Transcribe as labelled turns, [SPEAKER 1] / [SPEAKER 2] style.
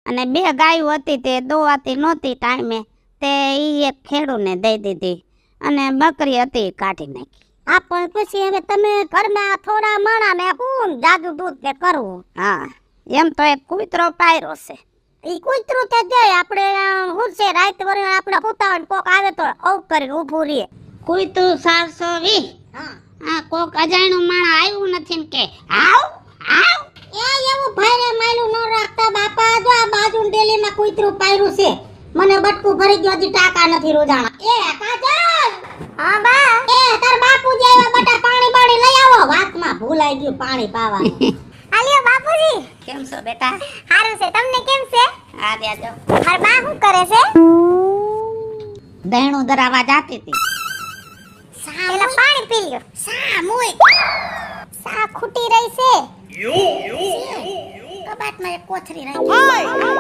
[SPEAKER 1] અને 2 ગાયો હતી તે દોવાતી નહોતી ટાઈમે તે ઈ એક ખેડૂને દઈ દીધી અને બકરી હતી કાઢી નાખી.
[SPEAKER 2] આ પણ પછી હવે તમે ઘરમાં થોડા માણા ને હું જાદુ દૂધ કે કરવું.
[SPEAKER 1] હા એમ તો એક કૂતરો પાયરો છે.
[SPEAKER 2] ઈ કૂતરું તે જાય આપણે હું છે રાત વરે આપણે કૂતાવન કોક આવે તો ઔ કરી ઊભું રહે.
[SPEAKER 1] કૂતરું 420.
[SPEAKER 2] હા
[SPEAKER 1] આ કોક અજાણ્યું માણસ આવ્યું નથી ને કે આવ આવ.
[SPEAKER 2] એ એવું ભારે માયલું ન રાખતા બાપા. જો આ બાજુ ડેલીમાં કૂતરું પાયરું છે. મને બટકું ભરી ગયો હજી ટાકા નથી રોજાણા. એ કાજલ. હા બા. એ તાર બાપુજી આવ્યા બટા પાણી બાણી લઈ આવો. વાતમાં ભૂલાઈ ગયું પાણી પાવા. આલિયો બાપુજી.
[SPEAKER 1] કેમ છો બેટા?
[SPEAKER 2] હારું છે. તમને કેમ છે?
[SPEAKER 1] આ દેજો.
[SPEAKER 2] માર બા શું કરે છે?
[SPEAKER 1] દહેણું ધરાવા જાતી હતી.
[SPEAKER 2] પેલા પાણી પી લ્યો. સા મુય. સા ખૂટી રહી છે. કબાટમાં એક કોથરી રાખી.